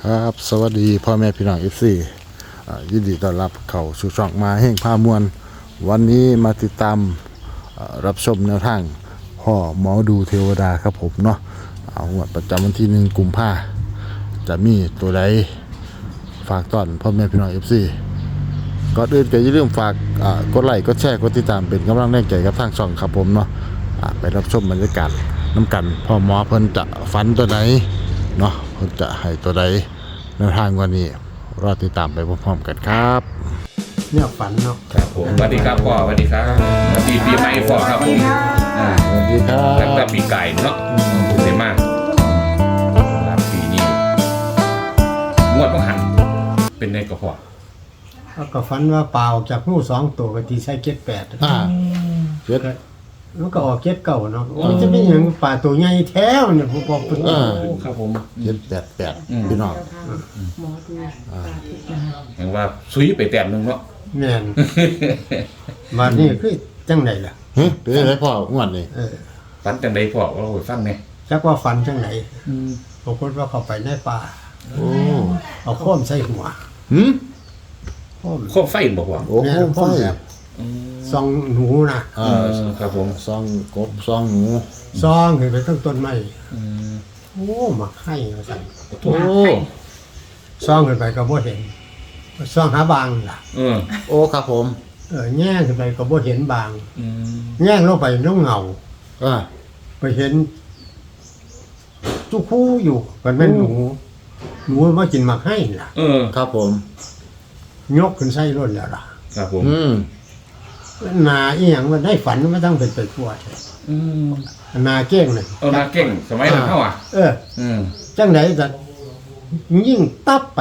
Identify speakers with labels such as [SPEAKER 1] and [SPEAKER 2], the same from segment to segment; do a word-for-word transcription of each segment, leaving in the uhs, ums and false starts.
[SPEAKER 1] ครับสวัสดีพ่อแม่พี่น้องเอฟซียินดีต้อนรับเข้าสู่ช่องมาแห่งพามวลวันนี้มาติดตามรับชมแนวทางพ่อหมอดูเทวดาครับผมเนาะเอางวดประจำวันที่หนึ่งกุมภาจะมีตัวใดฝากต้อนพ่อแม่พี่น้องเอฟซีก่อนอื่นก็อย่าลืมฝากกดไลค์กดแชร์กดติดตามเป็นกำลังแรงใจกับทางช่องครับผมเนาะไปรับชมบรรยากาศน้ำกันพ่อหมอเพิ่นจะฝันตัวไหนเนาะเพิ่นจะให้ตัวใดแนวทางวันนี้รอติดตามไปพร้อมๆกันครับ
[SPEAKER 2] เนี่ยฝันเนาะ
[SPEAKER 3] ครับผมสวัสดีครับพ่อสวัสดีครับสวัสดีปีใหม่พ่อครับผมอ่า
[SPEAKER 1] สวัสดีครับ
[SPEAKER 3] ตั้งแต่ปีไก่เนาะเสียมากรับปีนี้งวดต้องหันเป็นในกระเพาะ
[SPEAKER 2] แล้วก็ฝันว่าเปล่าจากงูสองตัวก็ตีใช้เก็ดแปด
[SPEAKER 1] อ่าเจ็ด
[SPEAKER 2] มันก็ออกเก็ดเก่าเนาะมันจะเป็นอย่างป่าตัวใหญ่แท้เนี่ยผมบอกเป็น
[SPEAKER 3] ครับผม
[SPEAKER 1] เจ็ดแปดแปดพี่น้อง
[SPEAKER 4] หมอดูตาทิพย์นะ
[SPEAKER 3] เห็นว่าซุยไปแต้มนึงเนาะ
[SPEAKER 2] แม่นมานี่คือจังไหนล่ะ
[SPEAKER 1] เฮ้ยเป็นอะไรพ่องวดนี่
[SPEAKER 2] เออ
[SPEAKER 3] ฝันจังใดพ่อเราฟังไง
[SPEAKER 2] จักว่าฝันจังไหนปรากฏว่าเขาไปในป่า
[SPEAKER 1] โอ้
[SPEAKER 2] เอาโค้มใส่หัว
[SPEAKER 1] หืม
[SPEAKER 2] โค้ม
[SPEAKER 3] โคมไฟบอกว่า
[SPEAKER 1] โอ้โหไฟ
[SPEAKER 2] ซองหนูนะ
[SPEAKER 1] เออ
[SPEAKER 3] ครับผม
[SPEAKER 1] ซองกบซองหนู
[SPEAKER 2] ซองขึ้นไปตั้งต้นไม้โอ้มาให้มาสั่น
[SPEAKER 1] โอ้
[SPEAKER 2] ซองขึ้นไปก็บ่เห็นซองหาบางล่ะ
[SPEAKER 3] เออ
[SPEAKER 1] โอ้ครับผม
[SPEAKER 2] เออแง่ขึ้นไปก็บ่เห็นบาง
[SPEAKER 3] อืม
[SPEAKER 2] แง่ลงไปน้องเงา
[SPEAKER 1] อ่า
[SPEAKER 2] ไปเห็นจุคู่อยู่มันเป็นหนูหนูมากินหมากให้ล่ะ
[SPEAKER 3] เออ
[SPEAKER 1] ครับผม
[SPEAKER 2] ยกขึ้นไส้ร่นแล้วล่ะ
[SPEAKER 3] ครับผม
[SPEAKER 1] อืม
[SPEAKER 2] นาอีหยังมันได้ฝันมันต้องเป็นไปทั่วใช่
[SPEAKER 3] อืม
[SPEAKER 2] นาเก้งเลย
[SPEAKER 3] เอานาเก่งสมัยนั้นเท่าอ่ะ
[SPEAKER 2] เออ
[SPEAKER 3] อืม
[SPEAKER 2] จังไหนจะยิ่งตับไป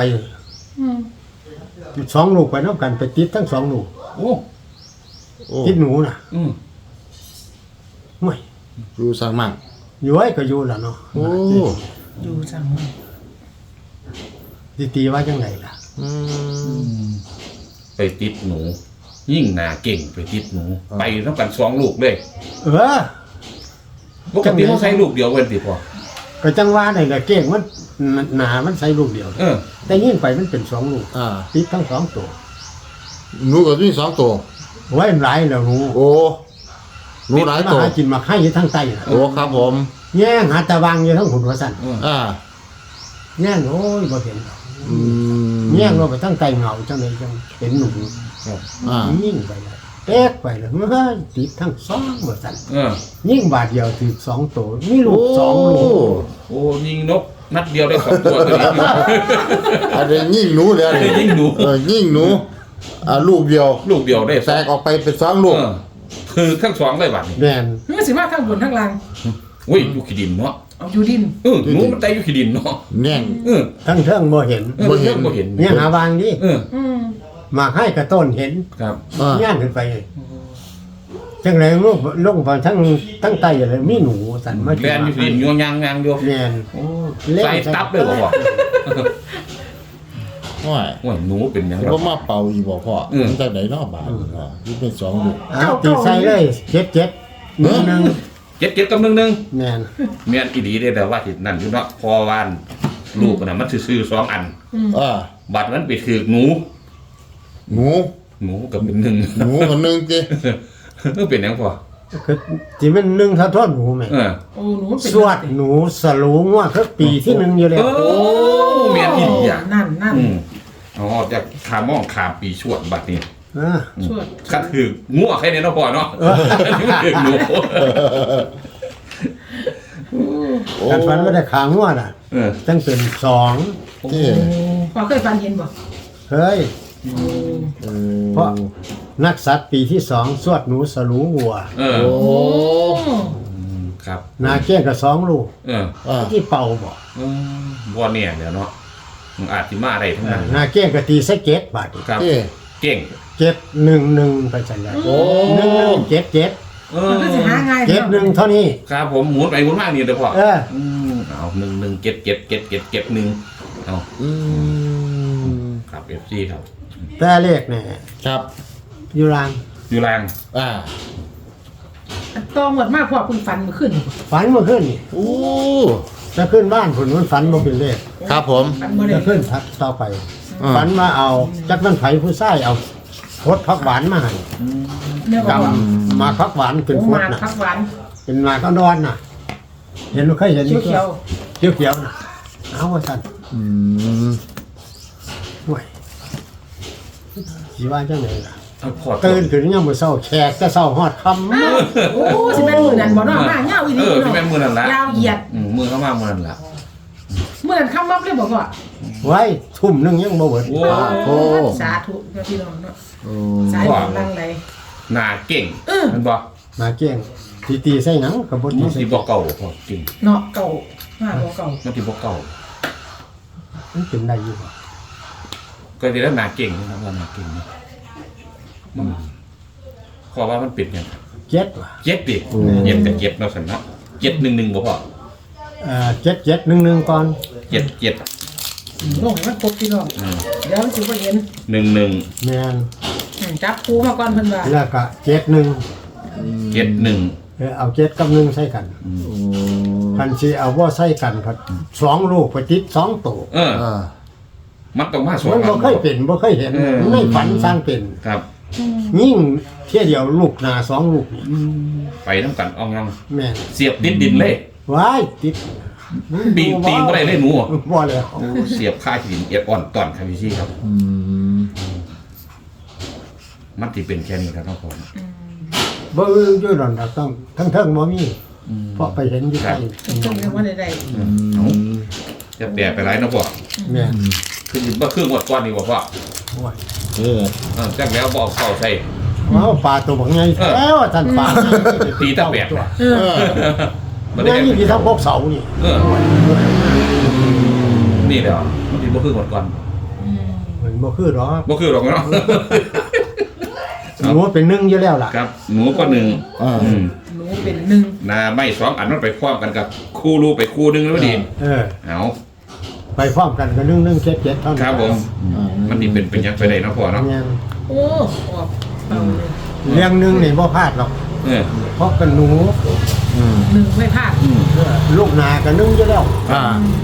[SPEAKER 2] สองลูกไปน้ำกันไปติดทั้งสองลูก
[SPEAKER 3] โอ้
[SPEAKER 2] ติดหนูน่ะ
[SPEAKER 3] อืม
[SPEAKER 2] ไม่
[SPEAKER 1] อยู่สร้างมั่ง
[SPEAKER 2] อยู่ไว้ก็อยู่แล้วเนาะ
[SPEAKER 1] โอ้
[SPEAKER 4] ดูจัง
[SPEAKER 2] ตีตีว่าจังไหนล่ะ
[SPEAKER 1] อืม
[SPEAKER 3] ไปติดหนูยิ่งนาเก่งไปติดหนูไปน้ำกันสองลูกเลย
[SPEAKER 2] เออ
[SPEAKER 3] ปกติเขาใช้ลูกเดียวกันติพอ
[SPEAKER 2] ก็จังว่าไหนล่ะเก้งมันหนามันใส่ลูกเดียว
[SPEAKER 3] เออ
[SPEAKER 2] แต่ยิ่งไปมันเป็นสองลูก
[SPEAKER 1] อ่า
[SPEAKER 2] ติดทั้งสองตัว
[SPEAKER 1] หนูก็มีสองตัว
[SPEAKER 2] ไว้หลายแล้วหนู
[SPEAKER 1] โอ้หนูหลายตัว
[SPEAKER 2] มากินมาให้อยู่ทั้งใต้
[SPEAKER 1] โอ้ครับผม
[SPEAKER 2] แย่งหาตะวังอยู่ทั้งหุ่นหัวสั่น
[SPEAKER 1] อ่า
[SPEAKER 2] แย่งโอ้ยบ่เห็น
[SPEAKER 1] อืม
[SPEAKER 2] แย่งลงไปทั้งใต้เงาจังเลยจังเห็นหนู
[SPEAKER 1] อ่า
[SPEAKER 2] ยิ่งไปเลยเป๊กไปเลยเมื่อติดทั้งสองหัวสั่นยิ่งบาดเดียวถือสองตัวมีลูกสองลูก
[SPEAKER 3] โอ้ยิงนกนัดเดียวได้สองตัวเลย
[SPEAKER 1] อันนี้ยิ่งหนูเดียว
[SPEAKER 3] ยิ่งหนู
[SPEAKER 1] เออยิ่งหนูอ่าลูกเดียว
[SPEAKER 3] ลูกเดียวได้
[SPEAKER 1] แตกออกไปเป็นสองลูก
[SPEAKER 3] คือทั้งสองเลยบัดนี้
[SPEAKER 2] แม่น
[SPEAKER 4] นี่สิมาทั้งบนทั้งล่าง
[SPEAKER 3] อุ้ยอยู่ขี้ดินเนาะ
[SPEAKER 4] เอาอยู่ดิน
[SPEAKER 3] เออหนูมันแต่อยู่ขี้ดินเนาะ
[SPEAKER 1] แน่ง
[SPEAKER 3] เออ
[SPEAKER 2] ทั้งเทิงบ่เห็น
[SPEAKER 3] บ่เห็นบ่เห็น
[SPEAKER 2] เนี่ยหาบางดิ
[SPEAKER 3] เออ
[SPEAKER 2] มาให้กระต้นเห็น
[SPEAKER 3] ครับ
[SPEAKER 2] ย่างขึ้นไปจังไรลูกลงไปทั้งทั้งใต้อะไรมีหนูสั่นมา
[SPEAKER 3] แล่นอยู่ขี้ดินยวงยางยางอยู่
[SPEAKER 2] แม่น
[SPEAKER 3] โอ้ใส่ตับเลยบ่พ่อ
[SPEAKER 1] ว่า
[SPEAKER 3] ว่าหนูเป็นยังไง
[SPEAKER 1] บ่มาเป่าอีบ่พ่อมันจังได๋เนาะบาดเนาะนี่เป็นสองลูก
[SPEAKER 2] อ้าวตีใส่เลยเจ็ดเจ็ดนึงนึง
[SPEAKER 3] เจ็ดเจ็ดกับนึงนึง
[SPEAKER 2] แม่น
[SPEAKER 3] แม่นอีหลีเด้แต่ว่าสินั่นอยู่เนาะพอวานลูกน่ะมันซื่อๆสองอัน
[SPEAKER 1] อ่า
[SPEAKER 3] บัดนั้นไปถือหนู
[SPEAKER 1] หนู
[SPEAKER 3] หนูกับเป็นนึง
[SPEAKER 1] หนูกับนึงติ
[SPEAKER 3] เออเป็นยังพ่อ
[SPEAKER 2] คือสิมันนึงเท่าทอดหนูแม่
[SPEAKER 3] เออ
[SPEAKER 4] โอ้หนูเป็น
[SPEAKER 2] สวดหนูสลูงว่าคือปีที่หนึ่งอยู่แล้ว
[SPEAKER 3] โอ้แม่นอีหลีอ่ะ
[SPEAKER 4] นั่นนั่น
[SPEAKER 3] อ๋อจากขามองขามปีชวดบัดนี้
[SPEAKER 2] อ่า
[SPEAKER 4] ชวด
[SPEAKER 3] คันถืองัวแค่นี้เนาะพ่อเนาะถือหนู
[SPEAKER 2] การฝันว่าได้ขางัวน่ะตั้งเป็นสอง
[SPEAKER 1] ที่
[SPEAKER 4] พ่อเคยฝันเห็นบ่
[SPEAKER 2] เฮ้ยเพราะนักสัตว์ปีที่สองสวดหนูสลูวัว
[SPEAKER 3] เออ
[SPEAKER 1] โอ้
[SPEAKER 3] ครับ
[SPEAKER 2] นาเก้งกับสองลูก
[SPEAKER 3] เออ
[SPEAKER 2] ที่เป่าบ่
[SPEAKER 3] บ่เนี่ยเดี๋ยวเนาะมันอาจสิมาได้ทั้งนั้น
[SPEAKER 2] นาเก้งกับตีใส่เจ็ดบาท
[SPEAKER 3] ครับเก่ง
[SPEAKER 2] เจ็ดหนึ่งหนึ่งไปจังได๋โอ้หนึ่งหนึ่งเจ็ดเจ็ด
[SPEAKER 4] มันก็สิหาง่าย
[SPEAKER 2] เจ็ดหนึ่งเท่านี้
[SPEAKER 3] ครับผมหมุนไปหมุนมานี่เด้อพ่อ
[SPEAKER 2] เออ
[SPEAKER 3] อืมเอาหนึ่งหนึ่งเจ็ดเจ็ดเจ็ดเจ็ดเจ็ดหนึ่งเอา
[SPEAKER 1] อืม
[SPEAKER 3] ครับ เอฟ ซี ครับ
[SPEAKER 2] แต่เลขเนี่ย
[SPEAKER 1] ครับ
[SPEAKER 2] อยู่ล่าง
[SPEAKER 3] อยู่ล่าง
[SPEAKER 1] อ่า
[SPEAKER 4] ตองหมดมากพอคุณฝันเมื่อคืน
[SPEAKER 2] ฝันเมื่อคืนนี่
[SPEAKER 1] โอ้
[SPEAKER 2] จะขึ้นบ้านผลมันฝันบ่เป็นเลข
[SPEAKER 4] โอ้
[SPEAKER 1] ครับผม
[SPEAKER 4] ฝันบ่ได้
[SPEAKER 2] จะขึ้นทัดต่อไป
[SPEAKER 1] อ่า
[SPEAKER 2] ฝันว่าเอาจักมันไผผู้ชายเอาพดผักหวานมาให้
[SPEAKER 4] เนื้อ
[SPEAKER 2] ด
[SPEAKER 4] อ่อน
[SPEAKER 2] ำมาผักหวานเป็น
[SPEAKER 4] โอ้
[SPEAKER 2] พ
[SPEAKER 4] ห
[SPEAKER 2] ด
[SPEAKER 4] มาก
[SPEAKER 2] น่ะ
[SPEAKER 4] ผักหวาน
[SPEAKER 2] เป็นหมากก็ดอนน่ะ เห็นบ่เคยเห็น
[SPEAKER 4] เขียวเขียว
[SPEAKER 2] เขียวเขียวๆน่ะเอาว่าซั่น
[SPEAKER 1] อืม
[SPEAKER 2] ห่วยสิว่าจังไดล่ะ
[SPEAKER 3] เอาพอ
[SPEAKER 2] ตื่นขึ้นยามมื้อเช้าแขกแต่เช้าฮอดค่ำ
[SPEAKER 4] ๆโอ้สิแม่นมือนั้นบ่เนาะมาเงาอีห
[SPEAKER 3] เอ
[SPEAKER 4] ลี
[SPEAKER 3] อที่
[SPEAKER 4] เนาะ
[SPEAKER 3] แม่มือนั่นละ
[SPEAKER 4] ยาวเหยียด
[SPEAKER 3] อืมมือเข้ามามือนั่นละ
[SPEAKER 4] มือนั้นคำมับเลยบ่พ่อ
[SPEAKER 2] ไว้ทุ่มหนึงยังบ่เบิด
[SPEAKER 3] โอ้
[SPEAKER 1] โอ้
[SPEAKER 4] สาธุเนาะพี่น้องเนาะ
[SPEAKER 1] โอ้
[SPEAKER 4] สายบุญลังไหล
[SPEAKER 3] หน้าเก่ง
[SPEAKER 4] เออ
[SPEAKER 3] มันบอก
[SPEAKER 2] มาเกี้ยงตีตีใส่หนังก็บ่ตี
[SPEAKER 3] มัน
[SPEAKER 2] ใส่
[SPEAKER 3] ที่บอกเก่าพอจริง
[SPEAKER 4] เนาะเก่ามาบ่เก่า
[SPEAKER 3] มันที่บอกเก่า
[SPEAKER 2] มันเป็นได้อยู่บ่
[SPEAKER 3] ก็ที่แล้วหน้าเก่งนะครับว่าหน้าเก่งนะอืมขอว่ามันปิดยัง
[SPEAKER 2] เจ็ดว่ะ
[SPEAKER 3] เจ็ดดิเจ็ดกับเจ็ดเนาะสันเนาะเจ็ดหนึ่งหนึ่งบ่พอ
[SPEAKER 2] เอ่อเจ็ดเจ็ดหนึ่งหนึ่งก่อน
[SPEAKER 3] เจ็ดเจ็ด
[SPEAKER 4] ลงให้มันครบพี่น้อง
[SPEAKER 3] อืม
[SPEAKER 4] เดี๋ยวมันสิบ่เห็น
[SPEAKER 3] หนึ่งหนึ่ง
[SPEAKER 2] แม่น
[SPEAKER 4] อืมจับคูมาก่อนเพิ่นว่า
[SPEAKER 2] แล้วก็เจ็ดหนึ่ง
[SPEAKER 3] เจ็ดหนึ่ง
[SPEAKER 2] เออเอาเจ็ดกับหนึ่งใส่กัน
[SPEAKER 1] โอ้
[SPEAKER 2] คันสิเอาว่าใส่กันพัดสองลูกไปติดสองตัว
[SPEAKER 3] เออ
[SPEAKER 1] อ่า
[SPEAKER 3] มันต้องมาสอง
[SPEAKER 2] มันบ่
[SPEAKER 3] อัน
[SPEAKER 2] เคยเป็นบ่เคยเห็น
[SPEAKER 3] เออ
[SPEAKER 2] ไม่ฝันสร้างเป็น
[SPEAKER 3] ครับ
[SPEAKER 2] ยิ่งเที่ยเดียวลูกหนาสองลูกนี่
[SPEAKER 3] ไปน้ำกันเอางัง
[SPEAKER 2] แม่น
[SPEAKER 3] เสียบดินดินเลย
[SPEAKER 2] ว้ายติด
[SPEAKER 3] ปีงปีงบ่ได้เลยหนู
[SPEAKER 2] บ่แล้ว
[SPEAKER 3] โอ้เสียบค่าหินเอียดอ่อนตอนครับพี่ซี่ครับ
[SPEAKER 1] อืม
[SPEAKER 3] มันที่เป็นแค่นี้ครับน้องผม
[SPEAKER 2] บ่อยู่ดอนดอกต้องทั้งเทิงบ่มีเพราะไปเห็นอยู่ใกล้
[SPEAKER 4] เพิ่นเรียกว่าใด
[SPEAKER 3] เอาจะแปลไปไรนะพ่อ
[SPEAKER 2] แม่น
[SPEAKER 3] คือยินว่าเครื่องวัดก้อนนี่บ่พ่อ
[SPEAKER 2] โอ้ย
[SPEAKER 1] เออ
[SPEAKER 3] เออจักแล้วบ่เอาเข้าใส่
[SPEAKER 2] ว้าวปลาตัวบักใหญ่แล้วท่านปลา
[SPEAKER 3] ตีตะแปด
[SPEAKER 2] ตัว
[SPEAKER 3] นะ
[SPEAKER 4] ๆเออ
[SPEAKER 3] มันได้
[SPEAKER 2] แม่
[SPEAKER 3] แค่
[SPEAKER 2] นี่พี่ทั้งพวกเสานี่
[SPEAKER 3] เออนี่แหละมันที่บ่เครื่องวัดก้อน
[SPEAKER 4] อืม
[SPEAKER 2] มันบ่คือหรอก
[SPEAKER 3] บ่คือหรอกเนาะ
[SPEAKER 2] หนูเป็นหนึ่งอยู่แล้วล่ะ
[SPEAKER 3] ครับ หนูก็หนึ่ง
[SPEAKER 1] อ่า
[SPEAKER 3] อืม
[SPEAKER 4] หนูเป็นหนึ่ง
[SPEAKER 3] นาไม่สองอันมันไปคว้อมกันกับคู่รูไปคู่หนึงแล้วดี
[SPEAKER 2] เออ
[SPEAKER 3] เอา
[SPEAKER 2] ไปพร้อมกันก็หนึ่งหนึ่งเจ็ดเจ็ดเท่านั้น
[SPEAKER 3] ครับผม
[SPEAKER 1] อ่า
[SPEAKER 3] มันนี่เป็นเป็นยังไปได้เนาะพ่อเนาะ
[SPEAKER 2] แม่น
[SPEAKER 4] โอ้ออกเอาเลย
[SPEAKER 2] เลี้ยงหนึ่งนี่บ่พลาดหรอก
[SPEAKER 3] เออ
[SPEAKER 2] เพราะเป็นหนู
[SPEAKER 1] อืม
[SPEAKER 4] หนึ่งไม่พลาด
[SPEAKER 3] อืม
[SPEAKER 2] เออลูกนาก็หนึ่งอยู่แล้ว
[SPEAKER 1] อ่า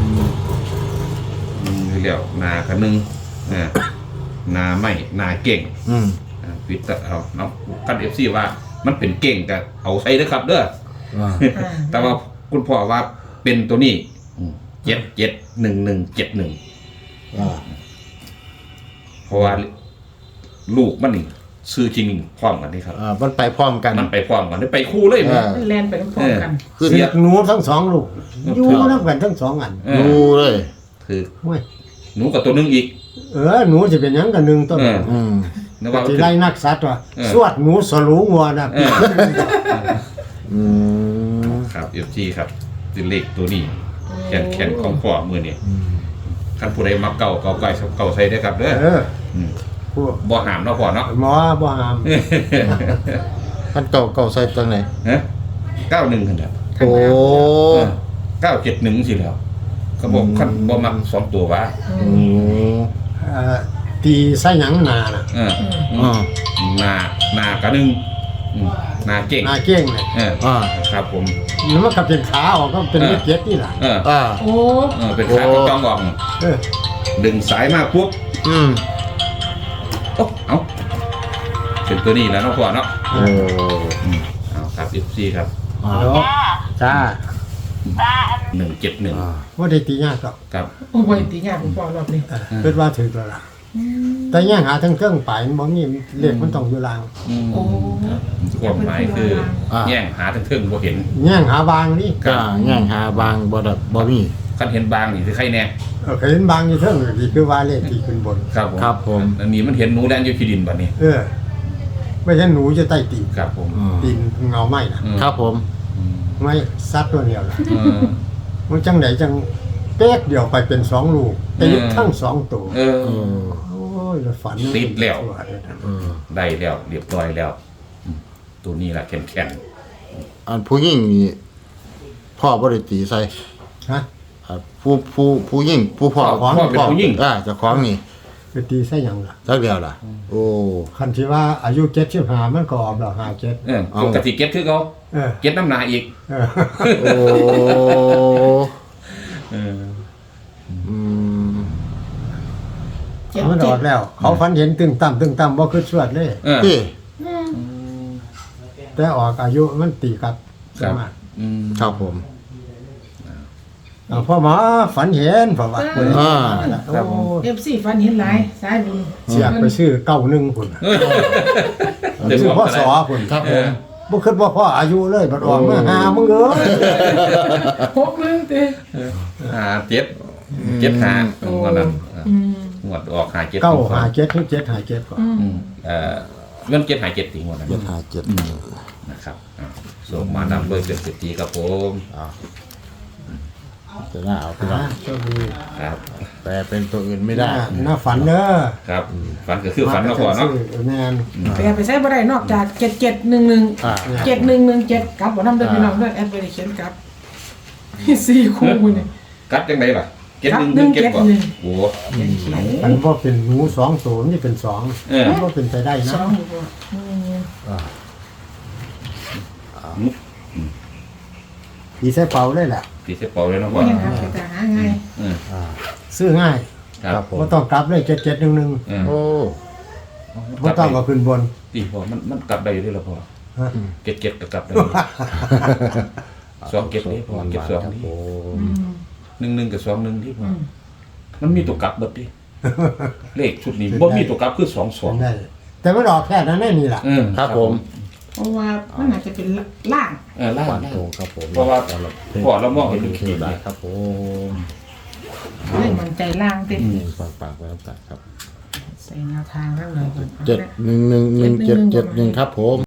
[SPEAKER 3] อืมเรียกนากันหนึงอ่านาไม่นาเก่ง
[SPEAKER 1] อืม
[SPEAKER 3] อ่าวิทย์เอาเนาะกัน เอฟ ซี ว่ามันเป็นเก่งก็เอาใส่เด้อครับเด้อ
[SPEAKER 1] อ่า
[SPEAKER 4] อ่า
[SPEAKER 3] แต่ว่าคุณพ่อว่าเป็นตัวนี้เจ็ดเจ็ดหนึ่งหนึ่งเจ็ดหนึ่ง
[SPEAKER 1] อ่า
[SPEAKER 3] เพราะว่าลูกมันนี่ซื้อจริงพร้อมกันนี่ครับ
[SPEAKER 1] อ่ามันไปพร้อมกัน
[SPEAKER 3] มันไปพร้อมกันได้ไปคู่เลยมั้ย
[SPEAKER 1] อ่า
[SPEAKER 4] มันแลนไปพร้อมๆกัน
[SPEAKER 1] คือ
[SPEAKER 2] เสียหนูทั้งสองลูก
[SPEAKER 3] เออ
[SPEAKER 2] อยู่นับกันทั้งสองอัน
[SPEAKER 3] เอ
[SPEAKER 1] ดู
[SPEAKER 3] อ
[SPEAKER 1] เลย
[SPEAKER 3] คือ
[SPEAKER 2] เว้ย
[SPEAKER 3] หนูกับตัวหนึงอีก
[SPEAKER 2] เออหนูจะเป็นหยังกันหนึ่งต้น
[SPEAKER 3] เออ
[SPEAKER 1] อืม
[SPEAKER 3] นึกว่า
[SPEAKER 2] ที่ไล่นักสัตว์ว่า
[SPEAKER 3] เออ
[SPEAKER 2] สวดหนูสลูงัวนะ
[SPEAKER 3] เออ
[SPEAKER 1] อืม
[SPEAKER 3] ครับเอฟซีครับเป็นเลขตัวนี้แขนแขนของพ่อมือนี่คันผู้ใดมาเก่าเก่าไก่เก่าใส่ได้อครับเด้อ
[SPEAKER 2] เออ
[SPEAKER 3] ม
[SPEAKER 2] พวก
[SPEAKER 3] บ่หามเนาะพ่อเนาะ
[SPEAKER 2] หมอบ่หาม
[SPEAKER 1] อันเก่าเก่าใส่จังไหน
[SPEAKER 3] ฮะเก้าหนึ่งกันแล้ว
[SPEAKER 1] โอ้
[SPEAKER 3] เก้าเจ็ดหนึ่งสิแล้วเขาบอกคันบ่มักสองตัววะ
[SPEAKER 1] อืม
[SPEAKER 2] เอ่อตีไส้หยังนาน่ะ
[SPEAKER 3] เออ
[SPEAKER 1] อ่า
[SPEAKER 3] หนาหนากระหนึ่งอืมหนาเก่ง
[SPEAKER 2] นาเก้งเลย
[SPEAKER 3] เออ
[SPEAKER 1] อ่า
[SPEAKER 3] ครับผม
[SPEAKER 2] แล้วมันก็เป็นขาออกก็เป็น
[SPEAKER 3] เออ
[SPEAKER 2] เลขเจ็ดนี่แหละ
[SPEAKER 3] เออ
[SPEAKER 1] อ่า
[SPEAKER 4] โอ้
[SPEAKER 3] เออเป็นขา
[SPEAKER 1] โอ้
[SPEAKER 3] ต้องออก
[SPEAKER 2] เออ
[SPEAKER 3] ดึงสายมาปุ๊บ
[SPEAKER 1] อืม
[SPEAKER 3] โอ้เอาเป็นตัวนี้แล้วเนาะพ่อเนาะ
[SPEAKER 1] โอ้
[SPEAKER 3] อืมเอาครับ เอฟ ซี ครับ
[SPEAKER 1] อ่า
[SPEAKER 2] เดี๋ยวจ้า
[SPEAKER 3] หนึ่งเจ็ดหนึ่ง
[SPEAKER 1] อ่า
[SPEAKER 2] ว่าได้ตียากหรอก
[SPEAKER 3] ครับ
[SPEAKER 4] โอ้ยตีงานผมพ่อรอบนี้
[SPEAKER 2] เออคิดว่าถึงแล้วล่ะแต่ย่างหาทั้งเครื่องไปมันบ่มีเลขมันต้องอยู่ลาง
[SPEAKER 3] อืม
[SPEAKER 4] โอ้
[SPEAKER 3] ความหมายคือ
[SPEAKER 1] อ่า
[SPEAKER 3] แย่งหาทั้งเทิงบ่เห็น
[SPEAKER 2] ย่างหาบางนี่
[SPEAKER 1] ก็ย่างหาบางบ่ดับบ่มี
[SPEAKER 3] คันเห็นบางนี่คือใครแน่
[SPEAKER 2] เออเคยเห็นบางอยู่เทิงที่คือว่าเลขที่ขึ้นบน
[SPEAKER 3] ครับผม
[SPEAKER 1] ครับผม
[SPEAKER 3] อันนี้มันเห็นหนูแดนอยู่ที่ดินบัดนี้
[SPEAKER 2] เออ ไม่ใช่หนูจะใต้ตีน
[SPEAKER 3] ครับผม
[SPEAKER 1] อืม
[SPEAKER 2] ตีนเงาไหมนะ
[SPEAKER 3] อืม
[SPEAKER 1] ครับผม
[SPEAKER 3] อืม
[SPEAKER 2] ไม่ซัดตัวเดียวล่ะ
[SPEAKER 3] เออ
[SPEAKER 2] มันจังไหนจังเป๊กเดียวไปเป็นสองลูกตี
[SPEAKER 3] อืม
[SPEAKER 2] ทั้งสองตัว
[SPEAKER 3] เออ
[SPEAKER 1] เออ
[SPEAKER 2] โอ้ยแล้วฝัน
[SPEAKER 3] ติดแล้ว
[SPEAKER 1] เออ
[SPEAKER 3] ได้แล้วเรียบร้อยแล้วอืมตัวนี้แหละแข็งแข็ง
[SPEAKER 1] อันผู้หญิงนี่พ่อบ่ได้ตีใส่
[SPEAKER 2] ฮะ
[SPEAKER 1] อ่าผู้ผู้ผู้หญิงผู้พ่อ
[SPEAKER 3] พ่อเป็นผู้หญิง
[SPEAKER 1] อ่าเจ้าของนี่
[SPEAKER 2] ไปตีใส่หยังล่ะ
[SPEAKER 1] จักเดียวล่ะ โอ้
[SPEAKER 2] คันที่ว่าอายุเจ็ดสิบห้ามันก็ออกดอกห้าเจ็ด
[SPEAKER 3] เออ
[SPEAKER 1] เอา
[SPEAKER 3] ปกติเก็ตคือเขา
[SPEAKER 2] เออ
[SPEAKER 3] เก็ตน้ำหนาอีก
[SPEAKER 2] เออ
[SPEAKER 1] โอ้
[SPEAKER 3] เออ
[SPEAKER 1] อืม
[SPEAKER 4] เจ็ด
[SPEAKER 2] มันอ
[SPEAKER 4] เจ็
[SPEAKER 2] อ
[SPEAKER 4] ด
[SPEAKER 2] กแล้ว เขาฝันเห็นตึงต่ำตึงต่ำบ่คือสวดเลย
[SPEAKER 3] เออ
[SPEAKER 1] ที่
[SPEAKER 4] อืม
[SPEAKER 2] แต่ออกอายุมันตีกับ
[SPEAKER 3] ค
[SPEAKER 2] ส
[SPEAKER 3] รับ
[SPEAKER 2] มาธิ
[SPEAKER 3] อืม
[SPEAKER 1] ครับผม
[SPEAKER 2] อ่าพ่อหมอฝันเห็นพ่อว่า
[SPEAKER 1] อ่า
[SPEAKER 3] ครับผม
[SPEAKER 4] เอฟซีฟันเห็นหลายสายบุญ
[SPEAKER 2] เสียกไปซื้อเก้าหนึ่งพุ่นน่ะ
[SPEAKER 3] เดี๋ยว
[SPEAKER 2] ซื้อ
[SPEAKER 3] ผม
[SPEAKER 2] พ่อ
[SPEAKER 3] ก็
[SPEAKER 2] ส
[SPEAKER 3] ได้
[SPEAKER 2] อพุ่น
[SPEAKER 1] ครับผม
[SPEAKER 2] บ่คิดว่าพ่ออายุเลยบัดออกมาหามึงเอ้ย
[SPEAKER 4] หกหนึ่งเต้
[SPEAKER 3] หาเจ็ดเจ็ดหาวันนั้น
[SPEAKER 4] อืม
[SPEAKER 3] งวดออกหาเจ็ด
[SPEAKER 2] เก้าหาเจ็ดถึงเจ็ดหาเจ็ดก่อน
[SPEAKER 4] อืม
[SPEAKER 3] อืมเอ่อเงินเจ็ดหาเจ็ดตีงวดนั้น
[SPEAKER 1] เจ็ดห้าเจ็ด
[SPEAKER 3] นะครับอ่าส่งมานำโดยเป็นสิทธิครับผม
[SPEAKER 1] อ่าจะน่าเอาพี่น้อง
[SPEAKER 2] อ่าโชคดี
[SPEAKER 3] ครับ
[SPEAKER 1] แปลเป็นตัวอื่นไม่ได้
[SPEAKER 2] อ่าน่าฝันเด้อ
[SPEAKER 3] ครับฝันก็คือฝันมาก่อนเนาะ
[SPEAKER 2] ซื้อแม่น
[SPEAKER 4] ไปเอาไปใช้บ่ได้นอกจากเจ็ดเจ็ดหนึ่งหนึ่ง
[SPEAKER 1] อ่า
[SPEAKER 4] เจ็ดหนึ่งหนึ่งเจ็ดกลับบ่นำเด้อพี่น้องเด้อแอดไปได้เขียนกลับสี่คู่มื้อนี่
[SPEAKER 3] กัดจังไดล่ะเจ็ด
[SPEAKER 4] กัด
[SPEAKER 3] หนึ่ง
[SPEAKER 4] หนึ่ง
[SPEAKER 3] เจ็ดบ่
[SPEAKER 4] เจ็ดหนึ่ง
[SPEAKER 3] โอ้
[SPEAKER 2] มันบ่เป็นหนูสองตัวนี่เป็นสอง
[SPEAKER 3] เออ
[SPEAKER 2] มันบ่เป็นไปได้
[SPEAKER 4] ส
[SPEAKER 2] นะ
[SPEAKER 4] องอยู่บ่อืม
[SPEAKER 2] อีใส่เป่าเลยแหละ
[SPEAKER 3] ตีเสเป่าเลยเนาะ
[SPEAKER 4] บ่
[SPEAKER 3] พ่อ
[SPEAKER 4] ยังหาไปแต่หาง่าย
[SPEAKER 3] เออ
[SPEAKER 1] อ่า
[SPEAKER 2] ซื้อง่าย
[SPEAKER 3] ครับ
[SPEAKER 1] ผม
[SPEAKER 2] บ่ต้องกลับเลยเจ็ดเจ็ดหนึ่งหนึ่ง
[SPEAKER 3] เออ
[SPEAKER 1] โอ้
[SPEAKER 2] บ่ต้องก็ขึ้นบน
[SPEAKER 3] ตีพ่อมันมันกลับได้อยู่ด้วยเหรอพ่อ
[SPEAKER 2] ฮะ
[SPEAKER 3] เก็ดเก็ดก็กลับได้อยู่สองเก็ดนี่พ่อเก็ดสอง
[SPEAKER 1] ครับ
[SPEAKER 3] นี่
[SPEAKER 1] ผม
[SPEAKER 4] อืม
[SPEAKER 3] หนึ่งหนึ่งกับสองหนึ่งที่พ่อ
[SPEAKER 4] อืม
[SPEAKER 3] มันมีตัวกลับเบิดดิเลขชุดนี้บ่มีตัวกลับคือสองสอง
[SPEAKER 2] เป็นได้แต่มันออกแค่นั้นแน่นี่ล่ะ
[SPEAKER 3] เออ
[SPEAKER 1] ครับผม
[SPEAKER 4] เพราะว่ามันอาจจะเป็นล่าง
[SPEAKER 3] เออล่าง
[SPEAKER 1] ฟัน
[SPEAKER 3] ล่าง
[SPEAKER 1] โตครับผม
[SPEAKER 3] เพราะว่าพ่อเรามองเห็นเป็น
[SPEAKER 1] เท
[SPEAKER 3] ขีด
[SPEAKER 1] วดา
[SPEAKER 3] เนี่ย
[SPEAKER 1] ครับผม
[SPEAKER 4] เลยมันใจล่างเต็ม
[SPEAKER 1] เองปากปากไว้ครับครับ
[SPEAKER 4] ใส่แนวทางข้างเลยก่อน
[SPEAKER 1] เจ็ดหนึ่งหนึ่งหนึ่งเจ็ดเจ็ดหนึ่งครับผม